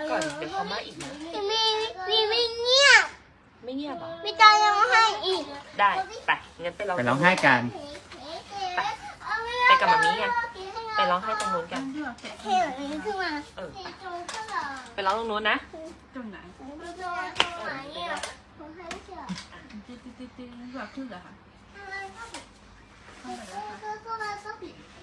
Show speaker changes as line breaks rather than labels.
ก่อนเดี๋ยวเขามาอีกนะ
มีไม่เงียบ
ไม่เงียบเหรอ
มีตาร้องไห้อีก
ได้ไปงั้นไปร้อง
ไปร้องไห้กัน
ไปกับมามีไงไปร้องไห้ตรงนู้นกัน
เทแบบนี้ขึ้นมา
เออไปร้องตรงนู้นนะ
ตรงไหน
ตรงไหนเนี่ยผมให้เชื่อ
ติ๊ดแบบขึ้นเหรอคะ
ก็ปิด